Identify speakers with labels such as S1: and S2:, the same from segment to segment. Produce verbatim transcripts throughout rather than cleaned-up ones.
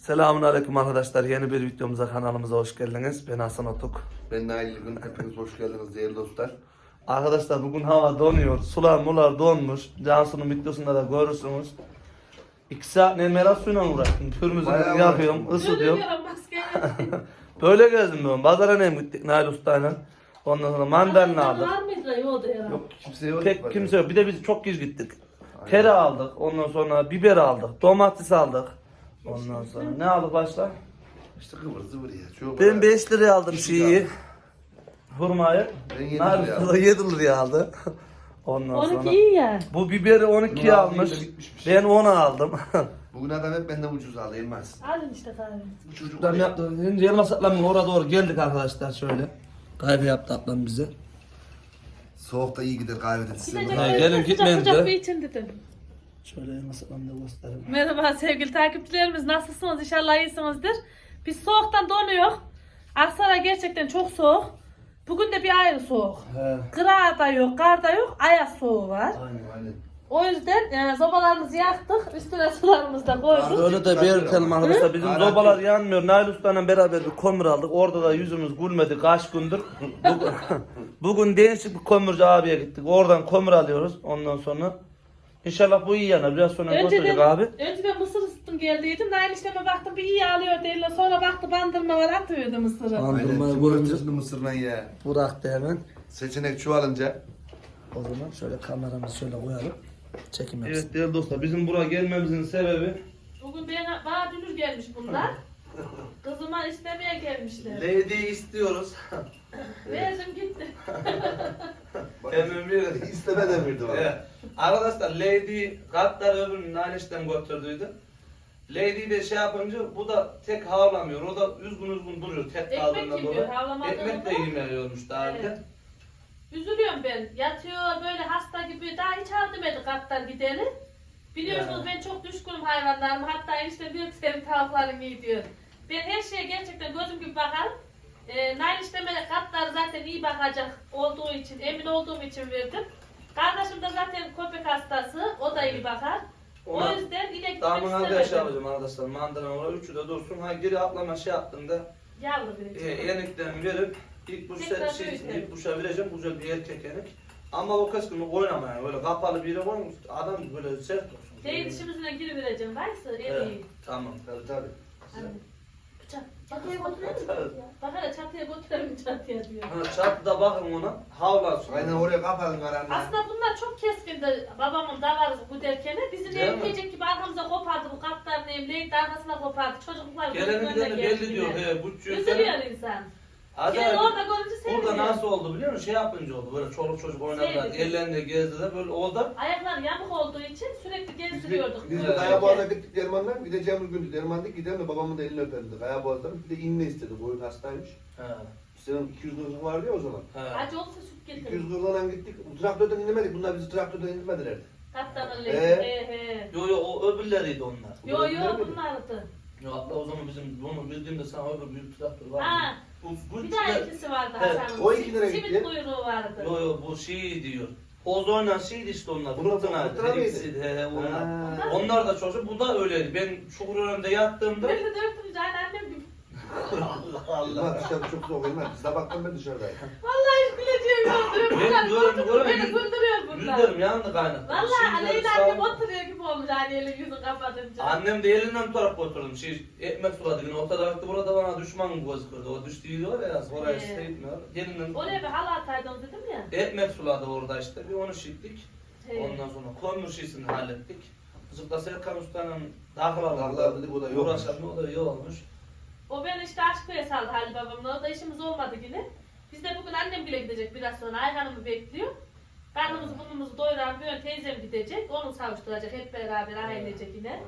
S1: Selamünaleyküm arkadaşlar. Yeni bir videomuza, kanalımıza hoş geldiniz. Ben Hasan Otuk.
S2: Ben Nail Gün. Hepiniz hoş geldiniz değerli dostlar.
S1: Arkadaşlar bugün hava donuyor. Sular mular donmuş. Cansu'nun videosunda da görürsünüz. İki saat nemera suyla uğraştım. Pürmüzünü
S2: Bayağı
S1: yapıyorum,
S2: uğraştım.
S1: ısıtıyorum. Böyle gezdim ben. Pazara nem gittik Nail Usta'yla. Ondan sonra mandalina aldık.
S3: Var mıydı yolda ya?
S2: Yok kimse yok.
S1: Pek kimse yok. Bir de biz çok geç gittik. Tere aldık. Ondan sonra biber aldık. Domates aldık. Ondan sonra ne aldık başka?
S2: İşte kıvır zıvır ya. Çok
S1: Ben beş liraya aldım şeyi. Hurmayı.
S2: Ben yedi
S1: Nail
S2: liraya
S1: Usta
S2: aldım.
S1: yedi liraya aldı. Ondan
S3: on iki
S1: sonra.
S3: iyi ya.
S1: Bu biberi on ikiye
S2: Bunu
S1: almış.
S2: aldığında bitmiş bir şey.
S1: Ben onu aldım.
S2: Bugün adam hep benden ucuz aldı Elmas.
S3: Alın işte kahve.
S2: Bu çocuk
S1: Ablam yaptı. Şimdi Elmas ablamın oraya doğru geldik arkadaşlar şöyle. Kahve yaptı ablam bize.
S2: soğukta iyi gider kahvede size.
S3: Gidecek
S1: Ha,
S3: bir
S1: gelin
S3: sıcak
S1: gitmeyin
S3: sıcak
S1: de.
S3: bir için dedim.
S1: Şöyle Elmas ablamı da gösterelim.
S3: Merhaba sevgili takipçilerimiz, nasılsınız? İnşallah iyisinizdir. Biz soğuktan donuyor. Aksaray gerçekten çok soğuk. Bugün de bir ayrı soğuk.
S1: He.
S3: Kıra da yok, kar da yok, ayaz soğuğu var.
S1: Aynen.
S2: Aynen.
S3: O yüzden e, sobalarımızı yaktık, üstüne sularımızı da koyduk.
S1: Öyle de belirtelim arkadaşlar. Bizim
S2: Hı?
S1: zobalar yanmıyor. Nail Usta'yla beraber bir kömür aldık. Orada da yüzümüz gülmedi kaç gündür. Bugün, bugün değişik bir kömürcü abiye gittik. Oradan kömür alıyoruz. Ondan sonra İnşallah bu iyi yana. Biraz sonra götürecek
S3: Önceden,
S1: abi.
S3: önceden mısır ısıttım geldiydim. Nail işleme baktım bir iyi alıyor derler. Sonra baktı bandırma var atıyordu mısırı.
S1: Tamam.
S2: Aynen.
S1: Bandırmayı
S2: Şimdi
S1: görünce-
S2: ötesini mısırla ye.
S1: Bıraktı hemen.
S2: Seçenek çoğalınca.
S1: O zaman şöyle kameramızı şöyle koyalım. Çekim yapsın. Evet değerli dostlar, bizim buraya gelmemizin sebebi
S3: Bugün bana, bana dünür gelmiş bunlar. Kızıma istemeye gelmişler.
S1: Lady istiyoruz.
S3: Verdim gitti.
S1: Hemen bir
S2: İsteme demirdi bana.
S1: Evet. Arkadaşlar Lady katlar öbürünü Naniş'ten götürdüydü. Lady de şey yapınca bu da tek havlamıyor. O da üzgün üzgün duruyor tek
S3: Ekmek
S1: kaldığından
S3: yiyor,
S1: dolayı.
S3: havlamadığında.
S1: Ekmek de yemiyormuş daha önce.
S3: Evet. Üzülüyorum ben. Yatıyor böyle hasta gibi. Daha hiç aldırmadı katlar gideri. Biliyorsunuz
S1: Ya.
S3: ben çok düşkünüm hayvanlarıma. Hatta işte büyük senin tavukların iyi diyor. Ben her şeye gerçekten gözüm gibi bakarım. Ee, Nail işlemede katlar zaten iyi bakacak olduğu için, emin olduğum için verdim. Kardeşim de zaten köpek hastası. O da iyi bakar.
S1: Ona
S3: o yüzden yine gitmek
S1: Damına da şey
S3: istemedim.
S1: yapacağım arkadaşlar. Mandalina oraya üçü de dursun. Ha geri atlama şey yaptığında
S3: Yavru bir.
S1: e, yeniklerini verip ilk bu
S3: Tekrar
S1: şey, şey
S3: büyütelim.
S1: ilk buşa vereceğim. Güzel bir erkek yenik. Ama o kısmını oynama yani. Öyle kapalı bir yere koymuş. Adam böyle sert olsun.
S3: Değil dişimizle giri vereceğim. Varsa en
S1: Evet,
S3: iyi.
S1: tamam.
S2: Tabii tabii.
S3: Anne. Bıçak. Çatıya götürelim mi? Bak hele çatıya götürelim çatıya diyor.
S1: Ha, çatıda bakın ona. Havlasın.
S2: Aynen oraya kapatın karanlığa.
S3: Aslında bunlar çok keskindi. Babamın davarı bu derken bizi
S1: Değil mi?
S3: emleyecek gibi arkamıza kopardı bu katlarını emleyip de arkasına kopardı. Çocuklar
S1: Gelen
S3: gözünün
S1: gideni
S3: önüne
S1: belli
S3: geldi
S1: diyor.
S3: yine.
S1: He, bu çocuk.
S3: Üzülüyor insan.
S1: Acayip.
S3: Yani orada görünce seviniyor.
S1: Burada nasıl oldu biliyor musun? Şey yapınca oldu. Böyle çoluk çocuk oynadılar.
S3: Sevdi.
S1: Ellerinde gezdiler. Böyle oldu.
S3: Ayakları yamuk olduğu için sürekli
S2: Biz de,
S3: gezdiriyorduk.
S2: biz de
S3: Böyle.
S2: Kayaboğaz'a gittik Derman'dan. Bir de Cemil Gündüz Derman'da gidelim de babamın da elini öperdi. Kayaboğaz'dan. Bir de inme istedi. Boyun hastaymış.
S1: He.
S2: Senin iki yüz kırk vardı ya o zaman.
S1: He.
S3: Acı olsa süt
S2: iki yüz
S3: getirin.
S2: kırkla gittik. Traktörden inemedik. Bunlar bizi traktörden indirmediler.
S3: Katlanın
S2: Ee?
S3: he he.
S1: Yo yo o öbürleriydi onlar.
S3: Yo yo
S2: Öbürleri mi?
S3: bunlardı.
S1: Yo hatta o zaman bizim bunu bildiğimde sana öbür büyük traktör var.
S3: Ha.
S1: Bu, bu
S3: Bir daha ikisi vardı
S1: Evet,
S3: Hasan'ın.
S2: o iki lira
S3: Simit
S2: gitti.
S3: kuyruğu vardı.
S1: Yo yo bu şey diyor. Ozoyla şeydi işte onlar.
S2: Bunlar
S1: Fırtına.
S2: fırtına mıydı?
S1: ikisi, He he onlar.
S2: Ha.
S1: Onlar da çocuk. Bu da öyleydi. Ben çukur önünde yattığımda.
S3: Ben de dörtüm can annem gibi.
S1: Allah
S2: Allah
S1: Allah.
S2: dışarı çok soğuk Elmas. Sabahtan ben dışarıdayım.
S3: Vallahi hiç güleceğim yok.
S1: Ben
S3: Bunlar
S1: diyorum,
S3: güldürüyor,
S1: diyorum,
S3: beni
S1: yüz-
S3: güldürüyor bunlar.
S1: Yüzlerim yandı kaynattı.
S3: Vallahi
S1: Şimdi
S3: Leyla
S1: sağ-
S3: annem oturuyor gibi olmuş hani elin yüzünü kapatınca.
S1: Annem de elinden tutarak götürdüm. Şey, ekmek suladı. Yine ortada baktı burada bana düşman gözükürdü. O düştüğü var ya oraya
S3: Ee.
S1: işte gitmiyor. Elinden
S3: Oraya bir halı ataydım dedim ya.
S1: ekmek suladı orada işte. Bir onu şittik.
S3: He.
S1: Ondan sonra kömür şişini hallettik. Kızıkla Serkan Usta'nın dağlar
S2: Dağlar dedik, o da yokmuş.
S1: Uğraşan o da iyi olmuş.
S3: O beni işte Aşköy'e saldı Halil babamla. Orada işimiz olmadı yine. Biz de bugün annem bile gidecek biraz sonra. Ayhan'ımı bekliyor. Karnımızı burnumuzu doyuran bir ön teyzem gidecek. Onu savuşturacak hep beraber ailecek yine.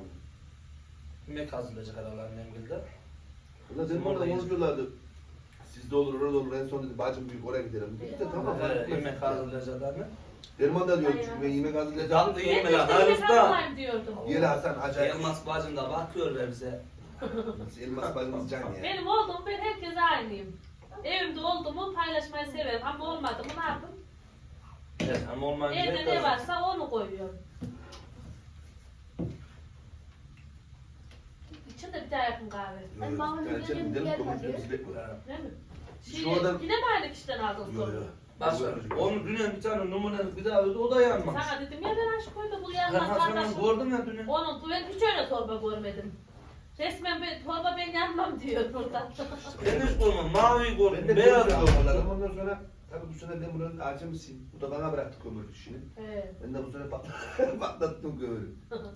S1: Yemek hazırlayacak herhalde annem gildi.
S2: Bunlar Derman'da konuşuyorlardı. Sizde olur, orada olur. En son dedi bacım büyük oraya gidelim. Biz de tamam.
S1: He, yemek hazırlayacak anne.
S2: Derman'da diyor çünkü
S3: Aynen.
S2: ben yemek hazırlayacağım.
S1: Tatlı
S3: Ben de
S1: yemek
S3: işte
S1: Halis
S3: yemek
S1: Usta.
S3: hazırlayayım diyordum.
S2: Yeli Hasan acayip.
S1: Elmas bacım da bakıyor be bize.
S2: Elmas bacımız can ya.
S3: Benim oldum ben herkese aynıyım. Evimde oldu mu paylaşmayı severim ama olmadı mı ne yapayım?
S1: Evet ama olmayınca
S3: Evde
S1: hep
S3: ne
S1: öyle.
S3: varsa onu koyuyorum. İçinde bir daha yakın kahve.
S4: Ben Mahmut'un
S2: Yani sen
S4: dediğim
S2: gidelim
S4: yer
S2: komşu
S4: var.
S2: biz bekliyoruz.
S3: Değil mi?
S2: Şu
S3: Şey,
S2: adam-
S3: yine mi aynı kişiden aldınız
S2: Yok
S3: konuyu?
S2: yok.
S1: Başka. Onu dünya bir tane numune bir daha öldü, o da yanmamış.
S3: Sana dedim ya ben aşk koydu bu
S1: Ben
S3: yanmaz
S1: Hasan'ı
S3: kardeşim.
S1: gördüm ya dünya.
S3: Onun bu ben hiç öyle torba görmedim. Resmen ben, torba ben yanmam diyor burada.
S1: Ben hiç görmem, mavi
S2: Ben
S1: gördüm,
S2: de
S1: beyaz
S2: beyaz
S1: gördüm.
S2: aldım. Ondan sonra tabii bu sene ben buranın acemısıyım. Bu da bana bıraktı kömür işini.
S3: Evet.
S2: Ben de bu sene pat patlattım kömürü.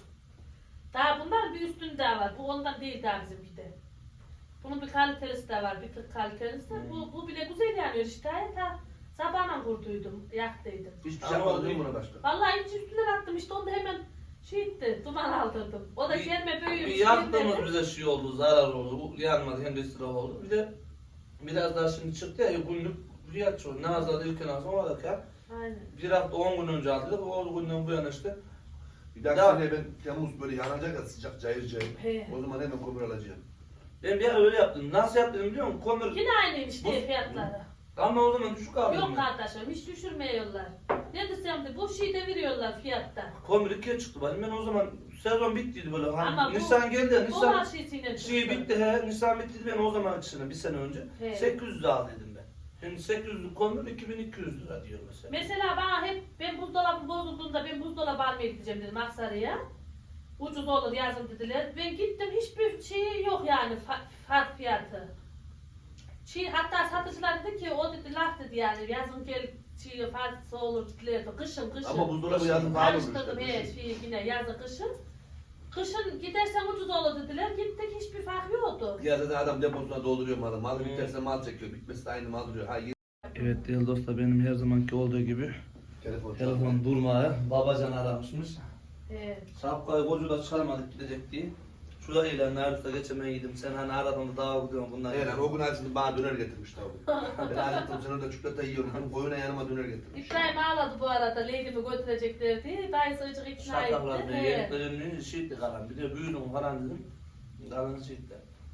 S3: Daha bunlar bir üstünde daha var. Bu ondan değil daha bizimki de. Bunun bir kalitelisi de var, bir tık kalitelisi de.
S1: Hmm.
S3: Bu, bu bile güzel yanıyor işte. Ta sabahla kurduydum, yaktıydım.
S2: Hiçbir şey
S1: Ama
S2: yapmadım
S1: o
S2: değil mi buna başka?
S3: Vallahi hiç üstüne attım işte onu da hemen şey etti, duman aldırdım. O da
S1: Bir-
S3: gelme
S1: Bir
S3: büyümüş.
S1: yaktığımız bize şey oldu, zarar oldu, bu yanmadı, hem de israf oldu. Bir de biraz daha şimdi çıktı ya, günlük fiyat çoğu. Nazlı'da ilken alsam o da kar.
S3: Aynen.
S1: Bir hafta on gün önce aldık, o günden bu yana işte.
S2: Bir dahaki
S1: Ya-
S2: sene ben Temmuz böyle yanacak ya sıcak cayır cayır.
S3: He.
S2: O zaman hemen kömür alacağım.
S1: Ben bir ara öyle yaptım. Nasıl yaptım biliyor musun? Kömür.
S3: Yine aynıymış
S1: Bu-
S3: diye fiyatları.
S1: Ama o zaman düşük aldım.
S3: Yok
S1: ben.
S3: kardeşim hiç düşürmüyorlar. Ne desem de bu şeyi de veriyorlar fiyatta.
S1: Kömür ikiye çıktı benim. Ben o zaman sezon bittiydi böyle. Hani
S3: Ama bu-
S1: Nisan geldi.
S3: Bu
S1: Nisan
S3: var şeysiyle
S1: şey
S3: çıktı.
S1: bitti he. Nisan bitti ben o zaman içine bir sene önce.
S3: He.
S1: sekiz yüz aldıydım ben. Şimdi sekiz yüzlük kömür iki bin iki yüz lira diyor mesela.
S3: Mesela bana hep ben buzdolabım bozulduğunda ben buzdolabı almaya gideceğim dedim Aksaray'a. Ucuz olur yazın dediler. Ben gittim hiçbir şey yok yani fa- fark fiyatı. Şey, hatta satıcılar dedi ki o dedi laf dedi yani yazın gel şey fazlası olur dedilerdi. Kışın kışın.
S2: Ama buzdolabı yazın pahalı olur
S3: Karıştırdım
S2: işte.
S3: he şey yine yazın kışın. Kışın gidersen ucuz olur dediler. Gittik hiçbir fark yoktu.
S2: Ya da adam deposuna dolduruyor malı. Malı
S1: Hmm.
S2: biterse mal çekiyor. Bitmesi de aynı mal duruyor. Ha yeni
S1: Evet değerli dostlar benim her zamanki olduğu gibi
S2: telefon
S1: telefon durmaya babacan aramışmış.
S3: He.
S1: Şapkayı kocu da çıkarmadık gidecek diye. Şurada ilan Arif'te geçemeydim. Sen hani aradan da dağa gidiyorsun bunlar.
S2: Evet lan o gün açtım bana döner getirmiş tabi. Ben acıktım sen orada çikolata yiyorum dedim. Koyuna yanıma döner getirmiş.
S3: İbrahim ağladı bu arada Lady'mi götürecekler diye. Dayısı ıcık ikna etti.
S1: Şartlar diye
S3: He.
S1: yediklerini şiitti kalan. Bir de büyüdüm falan dedim. Kalan şiitti.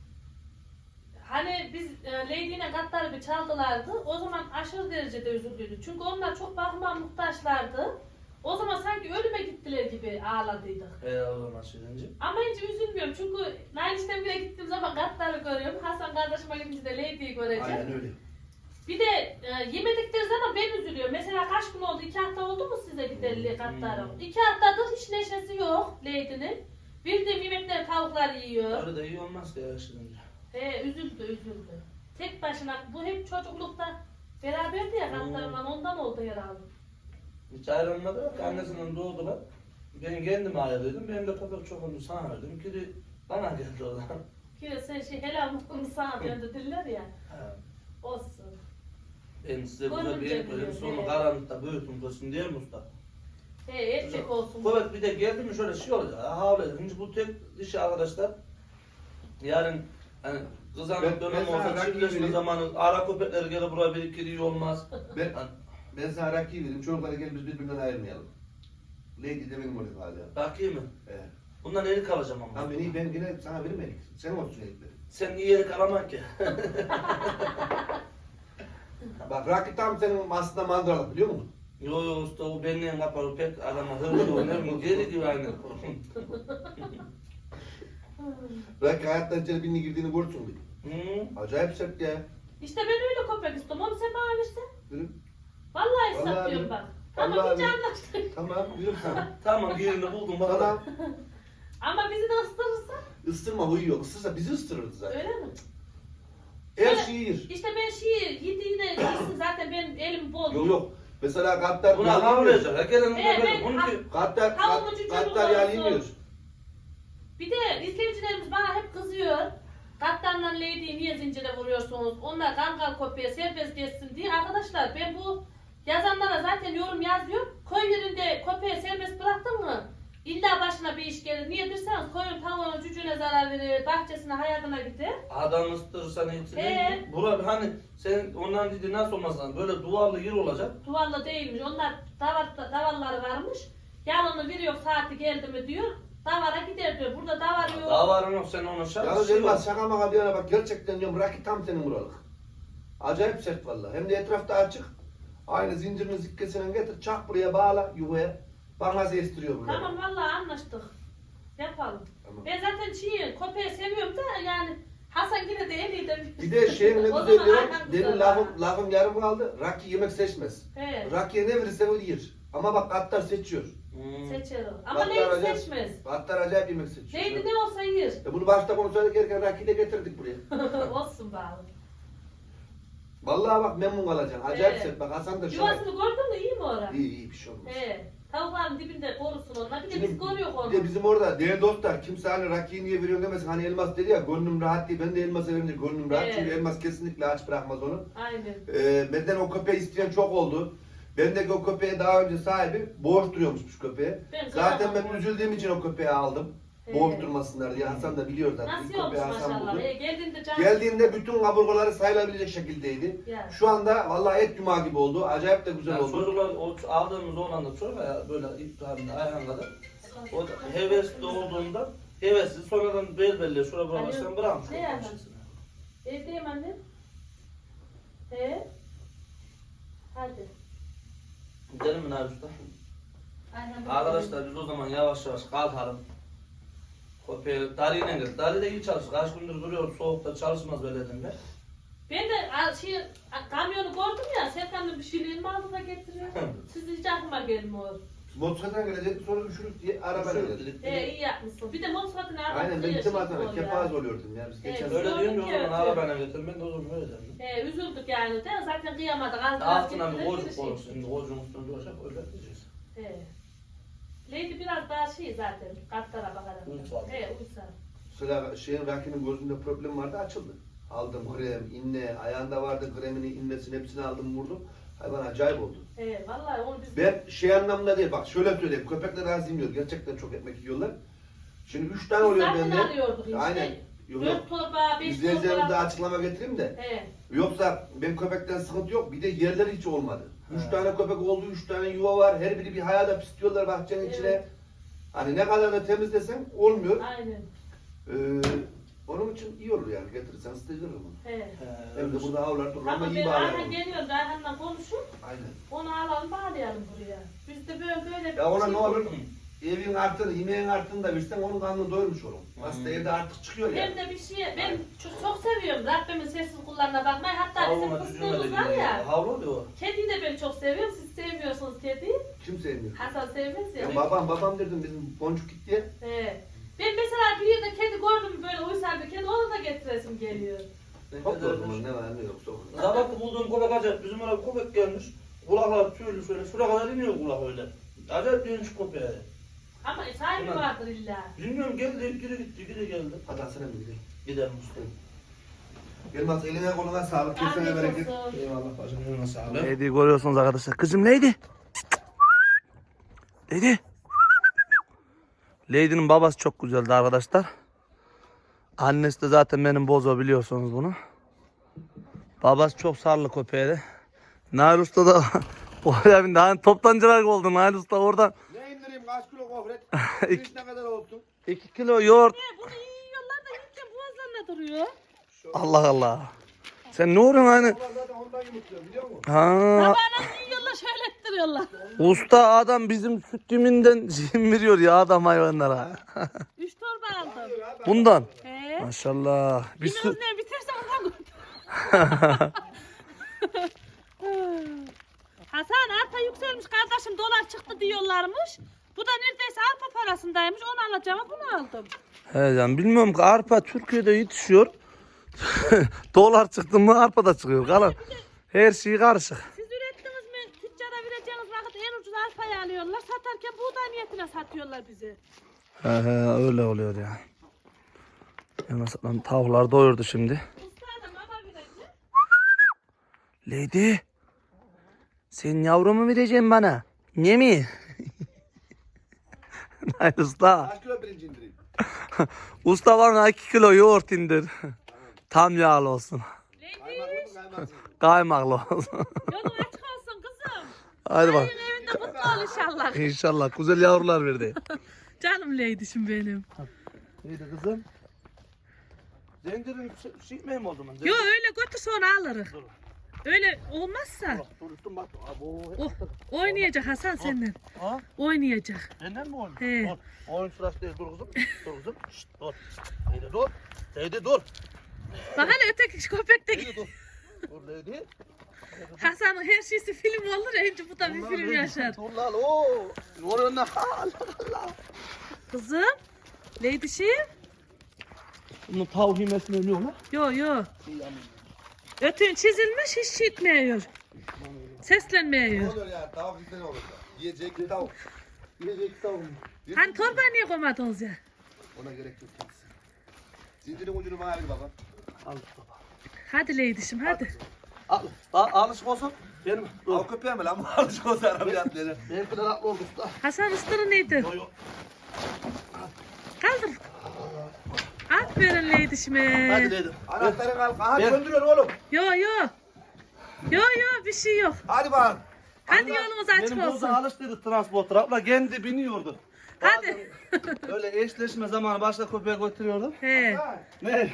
S3: Hani biz e, Lady ile Gattar'ı bir çaldılardı. O zaman aşırı derecede üzüldüydü. Çünkü onlar çok bakıma muhtaçlardı. O zaman sanki ölüme gittiler gibi ağladıydık.
S1: He o zaman şeyince.
S3: Ama hiç üzülmüyorum çünkü Nailiş'ten bile gittiğim zaman Gattar'ı görüyorum. Hasan kardeşime gidince de Lady'yi göreceğim.
S2: Aynen öyle.
S3: Bir de e, yemedikleri zaman ben üzülüyorum. Mesela kaç gün oldu? İki hafta oldu mu size giderli Gattar'ım?
S1: Hmm.
S3: İki haftadır hiç neşesi yok Lady'nin. Bildiğim yemekleri tavuklar yiyor.
S1: Öyle de iyi olmaz ki ya şeyince.
S3: He üzüldü üzüldü. Tek başına bu hep çocuklukta beraberdi ya Gattar'la ondan oldu herhalde.
S1: Hiç ayrılmadı yok. Annesinden doğdular. Ben kendim ayrıldım. Benim de köpek çok oldu sana verdim. Kiri bana geldi o zaman.
S3: Ki sen şey helal mutluluğunu sana döndü diller ya.
S1: Ha.
S3: Olsun.
S1: Ben size burada
S3: Görünce
S1: bir yer koyayım.
S3: biliyor,
S1: Sonra
S3: evet.
S1: karanlıkta büyütün koysun diye mi usta?
S3: He erkek olsun.
S1: Köpek bir de geldi mi şöyle şey olacak. Havle. Şimdi bu tek dişi arkadaşlar. Yarın hani
S2: Ben-
S1: kızanlık
S2: ben
S1: dönemi
S2: sana
S1: olsa
S2: rakip
S1: çiftleşme
S2: vereyim.
S1: zamanı ara köpekler gelir buraya bir iki iyi olmaz.
S2: Ben,
S1: Hani,
S2: ben sana rakı vereyim. Çocuklara gel biz birbirinden ayırmayalım. Lady de benim orada hala.
S1: bakayım mı?
S2: Evet.
S1: Bundan erik alacağım ama.
S2: Tamam ben, iyi, ben yine sana vermedik. Sen olsun elikleri.
S1: Sen iyi erik alamak ki.
S2: Bak rakı tam senin aslında mandralık biliyor musun?
S1: Yo yo usta o benimle yapar pek adama hırlı oynar mı? Geri gibi aynı.
S2: Rakı hayattan içeri birini girdiğini görürsün bir.
S1: Hı?
S2: Acayip sert ya.
S3: İşte ben öyle köpek istiyorum. Onu sen bana versen.
S2: Yürü.
S3: Vallahi
S2: Vallahi
S3: istiyorum
S2: abi.
S3: bak. Tamam
S2: Vallahi
S3: hiç
S2: abi.
S3: anlaştık.
S2: Tamam yürü sen.
S1: Tamam birini buldum bak.
S2: Tamam.
S3: Ama bizi de ısırırsa
S2: Isırma huyu yok. Isırsa bizi ısırırdı zaten.
S3: öyle mi?
S2: Her
S3: Şöyle-
S2: şeyi yer.
S3: İşte ben şeyi yediğine yesin zaten benim elim bol.
S2: Yok yok. Mesela katlar
S1: Buna
S2: yağlı yemiyor.
S1: havlayacak. Ha gelin
S3: Evet,
S1: de
S3: evet.
S1: verin. Bunu ki
S2: Katlar,
S3: Tavuğun
S2: kat,
S3: ucu
S2: katlar
S3: çabuk
S2: yağlı
S3: olsun.
S2: yemiyor.
S3: Bir de izleyicilerimiz bana hep kızıyor. Kaptanla Lady'yi niye zincire vuruyorsunuz? Onlar kangal köpeğe serbest geçsin diye. Arkadaşlar ben bu yazanlara zaten yorum yazıyorum. Koy yerinde köpeğe serbest bıraktın mı? İlla başına bir iş gelir. Niye derseniz koyun tavuğunun cücüğüne zarar verir, bahçesine hayatına gider.
S1: adam ısıtırsan hepsi
S3: Ee?
S1: değil. Bura hani sen ondan dedi nasıl olmaz lan? Böyle duvarlı yer olacak.
S3: Duvarlı değilmiş. Onlar davar, davarları varmış. Yalını veriyor saati geldi mi diyor. Davara gider diyor. Burada davar yok.
S1: Daha var yok sen ona şart.
S2: Yalnız
S1: şey
S2: Elmas
S1: yok.
S2: şaka maka bir yana bak gerçekten diyorum rakı tam senin buralık. Acayip sert vallahi. Hem de etrafta açık. Aynı zincirin zikkesinden getir çak buraya bağla yuvaya. Bana estiriyor burada.
S3: Tamam vallahi anlaştık. Yapalım.
S2: Tamam.
S3: Ben zaten çiğ köpeği seviyorum da
S2: Bir de şeyin ne
S3: O
S2: güzel
S3: zaman
S2: diyor.
S3: Ayhan
S2: Demin
S3: güzel
S2: lafım,
S3: var.
S2: lafım yarım kaldı. Raki yemek seçmez.
S3: He.
S2: Rakiye ne verirse o yer. Ama bak Gattar seçiyor.
S1: Hmm.
S3: Seçer o. Ama
S2: Gattar
S3: Leydi
S2: acayip-
S3: seçmez.
S2: Gattar acayip yemek seçiyor.
S3: Leydi ne olsa yer.
S2: E bunu başta konuşuyorduk erken Raki'yi de getirdik buraya.
S3: Olsun bağlı.
S2: Vallahi bak memnun kalacaksın. Acayip
S3: Evet.
S2: set. Bak Hasan da şahit.
S3: Yuvasını gördün mü iyi mi orada?
S2: İyi iyi bir şey olmaz.
S3: He. Tavukların dibinde korusun onlar. Bir de
S2: Şimdi
S3: biz koruyoruz onu.
S2: Bir de bizim orada değerli dostlar kimse hani Raki'yi niye veriyorsun demesin. Hani elmas dedi ya gönlüm rahat değil. Ben de elması verince gönlüm rahat.
S3: Evet.
S2: Çünkü elmas kesinlikle aç bırakmaz onu.
S3: Aynen.
S2: Ee, benden o köpeği isteyen çok oldu. Bendeki o köpeğe daha önce sahibi boğuş duruyormuş köpeğe.
S3: Ben
S2: Zaten
S3: kıyamam
S2: ben
S3: o.
S2: üzüldüğüm için o köpeği aldım.
S3: Evet.
S2: Boğuş durmasınlar diye. Hasan da biliyor zaten.
S3: Nasıl
S2: İlk
S3: olmuş
S2: köpeği Hasan
S3: maşallah.
S2: buldu.
S3: He, geldiğinde can.
S2: Geldiğinde bütün kaburgaları sayılabilecek şekildeydi.
S3: Ya.
S2: Şu anda vallahi et yumağı gibi oldu. Acayip de güzel
S1: Yani
S2: oldu.
S1: çocuklar o aldığımız olan da çok ya böyle İbrahim'le Ayhan kadar. O da hevesli olduğunda hevesli sonradan bel belli şuraya
S3: Alo.
S1: bırakırsan bırakmış.
S3: Ne yapalım? Evdeyim annem. He? Hadi.
S1: Gidelim mi Nabi Usta?
S3: Ayhan
S1: Arkadaşlar biz o zaman yavaş yavaş kalkalım. Köpeği Dari'yle gel. Dari de iyi çalışır. Kaç gündür duruyor soğukta çalışmaz belediyede.
S3: Ben de a, şey, a, kamyonu gördüm ya, Serkan'ın bir şeylerini aldı da getiriyor. Siz hiç aklıma gelmiyor.
S2: Motosikletten gelecek sonra üşürük diye araba gelecek.
S3: He, iyi yapmışsın. Bir de motosikletini arabası
S2: Aynen ben
S3: yaşayıp
S2: gittim Hasan'a
S3: oluyor.
S2: kepaz oluyordum ya biz
S3: Evet.
S2: geçen
S1: Öyle
S2: sene.
S1: diyorum ya o
S3: Evet,
S1: zaman
S3: evet.
S1: arabayla getir. Ben de o zaman öyle dedim.
S3: He, üzüldük yani de zaten kıyamadık. Az daha
S1: Altına bir
S3: getirir,
S1: koçuk
S3: bir şey.
S1: olur. Şimdi kocuğun üstünde duracak öyle diyeceğiz.
S3: He. Lady biraz daha şey zaten, katlara bakarak.
S1: Uysal.
S3: He, uysal.
S2: Sıra şeyin Raki'nin gözünde problem vardı açıldı. Aldım krem, inne, ayağında vardı kremini, innesini hepsini aldım vurdum. Hayvan acayip oldu.
S3: He, vallahi onu biz...
S2: Ben şey anlamda değil bak şöyle söyleyeyim köpekler az yemiyor gerçekten çok ekmek yiyorlar. Şimdi üç tane
S3: Biz
S2: oluyor
S3: zaten
S2: bende.
S3: arıyorduk işte.
S2: Aynen. Yok, yok.
S3: Dört torba, beş
S2: İzleyicilerimize
S3: torba.
S2: açıklama getireyim de.
S3: He.
S2: Yoksa ben köpekten sıkıntı yok. Bir de yerleri hiç olmadı. Üç
S1: He.
S2: tane köpek oldu, üç tane yuva var. Her biri bir hayada pisliyorlar bahçenin
S3: Evet.
S2: içine. Hani ne kadar da temizlesen olmuyor.
S3: Aynen.
S2: Ee, onun için iyi olur yani getirirsen ısıtıcılır mı?
S3: He.
S2: Hem de burada havlar durur ama
S3: Ama
S2: iyi
S3: ben
S2: bağlayalım.
S3: Ayhan geliyor da Ayhan'la konuşup
S2: Aynen.
S3: onu alalım bağlayalım buraya. Biz de böyle böyle bir
S2: Ya ona
S3: şey
S2: ne olur?
S3: bulduk.
S2: Evin artırı, yemeğin artırını da versen onun karnını doyurmuş olur. Aslında
S1: Hmm.
S2: evde artık çıkıyor ya.
S3: Hem de bir şey, ben çok, çok seviyorum Rabbimin sessiz kullarına bakmayı. Hatta bizim
S1: Havluna
S3: fıstığımız
S1: cücüme
S3: var
S1: de
S3: ya.
S1: gidiyor. Havlu oluyor.
S3: Kediyi de ben çok seviyorum. Siz sevmiyorsunuz kediyi.
S2: Kim sevmiyor?
S3: Hasan sevmez ya.
S2: Ya babam babam dedim bizim boncuk gitti ya.
S3: He. Ben mesela bir yerde kedi gördüm böyle uysal bir kedi onu da getiresim geliyor.
S2: Hop da o zaman ne var ne yok sokun.
S1: Sabah bulduğum köpek acayip. Bizim oraya bir köpek gelmiş. Kulaklar tüylü şöyle. Şuraya kadar iniyor kulak öyle. Acayip değişik köpeğe.
S3: Ama sahibi
S1: Ulan.
S3: vardır illa.
S1: Bilmiyorum geldi, geri gitti, geri geldi.
S2: Hadi Hasan'a mı gidelim?
S1: Gidelim usta.
S2: Gelmez eline koluna sağlık. Kesene
S3: Afiyet
S2: bereket.
S3: olsun.
S1: Eyvallah bacım, yoluna sağlık.
S4: Lady görüyorsunuz arkadaşlar. Kızım Lady. Lady. Lady'nin babası çok güzeldi arkadaşlar. Annesi de zaten benim bozo biliyorsunuz bunu. Babası çok sarılı köpeğiydi. Nail Usta da oraya bindi. Hani toptancılar oldu Nail Usta oradan.
S2: Ne indireyim kaç kilo gofret?
S4: İki-
S2: Pirinç ne kadar olsun?
S4: iki kilo yoğurt.
S3: He, bunu iyi yiyorlar da yiyince boğazlarına duruyor.
S4: Allah Allah. Sen ne oluyorsun hani?
S2: Ulan zaten ondan yumurtluyor biliyor musun?
S4: Ha,
S3: Sabahına yiyorlar şöyle ettiriyorlar.
S4: usta adam bizim süt diminden zim veriyor ya adam hayvanlara.
S3: Üç torba aldım.
S4: Bundan.
S3: He.
S4: Maşallah. Bir
S3: Yemin
S4: su...
S3: ne biterse ondan götür. Hasan arpa yükselmiş kardeşim dolar çıktı diyorlarmış. Bu da neredeyse arpa parasındaymış onu alacağıma bunu aldım.
S4: He canım bilmiyorum ki arpa Türkiye'de yetişiyor. Dolar çıktı mı arpa da çıkıyor. Kalan her şey karışık.
S3: Siz ürettiniz mi tüccara vereceğiniz vakit en ucuz arpayı alıyorlar satarken buğday niyetine satıyorlar bizi.
S4: He he öyle oluyor ya. Yalnız lan tavuklar doyurdu şimdi.
S3: Usta da baba verecek.
S4: Lady. Sen yavrumu vereceksin bana. Ne mi? Hayır usta.
S2: Kaç kilo pirinç indireyim?
S4: Usta bana iki kilo yoğurt indir. Tam yağlı olsun.
S3: Leydi
S2: Kaymaklı mı kaymaksız mı?
S4: Kaymaklı olsun.
S3: yolun açık olsun kızım.
S4: Hadi bak.
S3: Senin evinde mutlu ol inşallah.
S4: İnşallah güzel yavrular verdi.
S3: Canım Leydi'şim benim.
S1: Neydi kızım? Zengirin şey mi o zaman?
S3: Yo öyle götür sonra alırız. Öyle olmazsa
S1: Dur üstüm bak. Abo.
S3: o, oynayacak Hasan senden.
S1: Ha?
S3: Oynayacak.
S1: Benden mi oynuyor?
S3: He.
S1: Dur. Oyun sırası değil. Dur kızım. Dur kızım. Şşt dur. Neydi dur. Neydi dur.
S3: Bak hele öteki köpek de
S1: Dur. Dur Lady.
S3: Hasan'ın her şeysi film olur. Önce bu da bir film yaşar.
S1: Dur lan ooo. Oraya ne Allah Allah.
S3: Kızım. Lady şey?
S1: Bunun tavuk yemesini ölüyor lan.
S3: Yo yo. Ötün çizilmiş hiç şey etmiyor.
S2: Ne
S3: Seslenmiyor.
S2: oluyor ya? Tavuk bizde ne olur? Yiyecek tavuk. Yiyecek tavuk.
S3: Hani torbaya niye koymadınız ya?
S2: Ona gerek yok kimse. Zincirin ucunu bana ver baba.
S1: Al baba.
S3: Hadi Lady'şim hadi.
S1: Al. Al alışık olsun. Benim. Dur.
S2: Al köpeğe mi lan? Bu alışık olsa arabaya atlayacak.
S1: Benimki de haklı oldu usta.
S3: Hasan ıstırı neydi?
S1: Yo yo.
S3: Kaldır. Aferin Lady'şime.
S1: Hadi Lady.
S2: Anahtarı al. Aha
S1: Ben-
S2: döndürüyor oğlum.
S3: Yo yo. Yo yo bir şey yok.
S2: Hadi bakalım.
S3: Hadi
S1: Allah,
S3: yolumuz açık
S1: Benim
S3: olsun.
S1: boza alıştıydı transporter. Abla kendi biniyordu.
S3: Hadi.
S1: Öyle eşleşme zamanı başka köpeğe götürüyordum.
S3: He.
S1: Ne?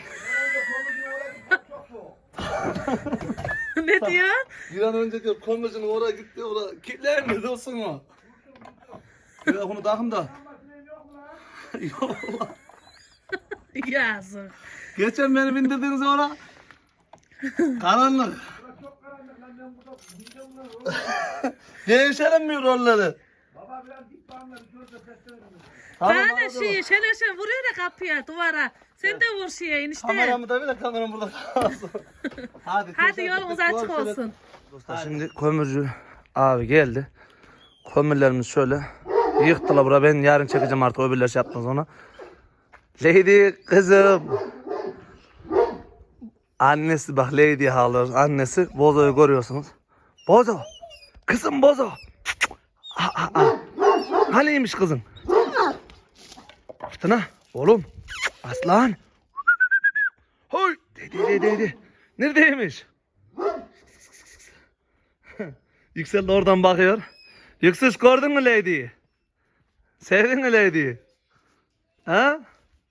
S3: Ne diyor?
S1: Bir an önce diyor komşunun oraya gitti oraya kilitler mi dursun o? Ya bunu takım da. Yok lan.
S3: Yazık.
S1: Geçen beni bindirdiğiniz oraya. Karanlık. Değişelim mi rolleri?
S2: Baba biraz dik bağımla bir şurada seslenelim.
S1: Tamam,
S3: Bana
S1: hadi
S3: şey şöyle şöyle vuruyor da kapıya duvara. Sen de vur şeye enişte.
S1: Kameramı da bile kameram burada kalsın. Hadi,
S3: Hadi
S1: teşekkür
S3: yolumuz
S1: ederim.
S3: açık
S1: Şöyle-
S3: olsun.
S1: Dostlar şimdi kömürcü abi geldi. Kömürlerimiz şöyle. Yıktılar bura. Ben yarın çekeceğim artık öbürler şey yapmaz ona. Lady kızım. Annesi bak Lady ağlıyor. Annesi Bozo'yu görüyorsunuz. Bozo. Kızım Bozo. Aa, aa, aa. Haniymiş kızım? Fırtına. Oğlum. Aslan. Hoy. Dedi dedi dedi. Neredeymiş? Yüksel de oradan bakıyor. Yüksel gördün mü Lady'yi? Sevdin mi Lady'yi? Ha?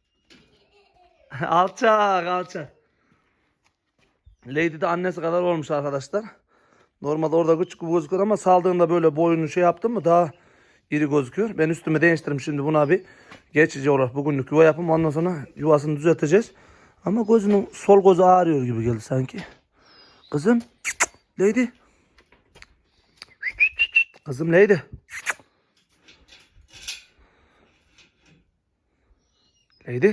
S1: Alçak alçak. Lady de annesi kadar olmuş arkadaşlar. Normalde orada küçük gözüküyor ama saldığında böyle boyunu şey yaptım mı daha iri gözüküyor. Ben üstüme değiştirdim şimdi buna bir geçici olarak bugünlük yuva yapım. Ondan sonra yuvasını düzelteceğiz. Ama gözünün sol gözü ağrıyor gibi geldi sanki. Kızım. Lady. Kızım Lady. Lady.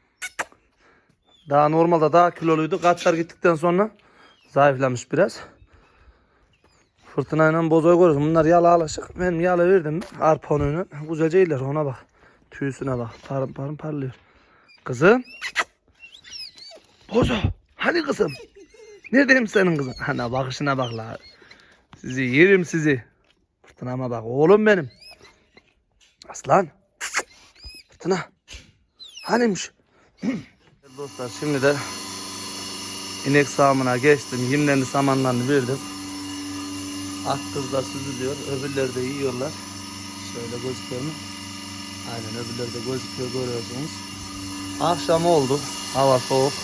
S1: Daha normalde daha kiloluydu. Katlar gittikten sonra zayıflamış biraz. Fırtınayla Bozo'yu görüyorsun. Bunlar yalı alışık. Benim yalı verdim mi? Arpa unuyla. Güzelce iyiler. Ona bak. Tüysüne bak. Parım parım parlıyor. Kızım. Bozo. Hani kızım? Neredeyim senin kızım? Hani bakışına bak la. Sizi yerim sizi. Fırtınama bak. Oğlum benim. Aslan. Fırtına. Hanimiş? Dostlar şimdi de inek sağımına geçtim. Yemlerini samanlarını verdim. Ak kız da süzülüyor. Öbürleri de yiyorlar. Şöyle gözüküyor mu? Aynen öbürleri de gözüküyor görüyorsunuz. Akşam oldu. Hava soğuk.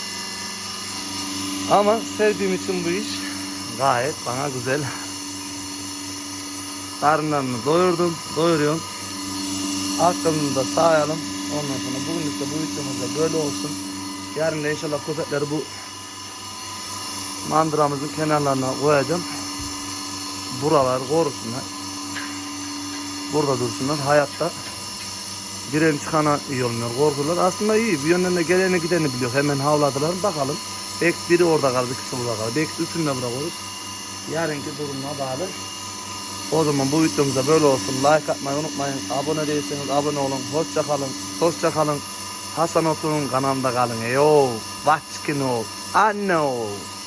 S1: Ama sevdiğim için bu iş gayet bana güzel. Karınlarını doyurdum. Doyuruyorum. Akşamını da sağayalım. Ondan sonra bugünlük de bu videomuz da böyle olsun. Yarın da inşallah köpekleri bu mandıramızın kenarlarına koyacağım. Buralar korusunlar. Burada dursunlar. Hayatta giren çıkana iyi olmuyor. Korkular aslında iyi. Bir yönden de geleni gideni biliyor. Hemen havladılar. Bakalım. Belki biri orada kaldı, ikisi burada kaldı. Belki üçünü de bırakırız. Yarınki durumuna bağlı. O zaman bu videomuzda böyle olsun. Like atmayı unutmayın. Abone değilseniz abone olun. Hoşça kalın. Hoşça kalın. Hasan Otur'un kanalında kalın. Yo, watch kino. I know.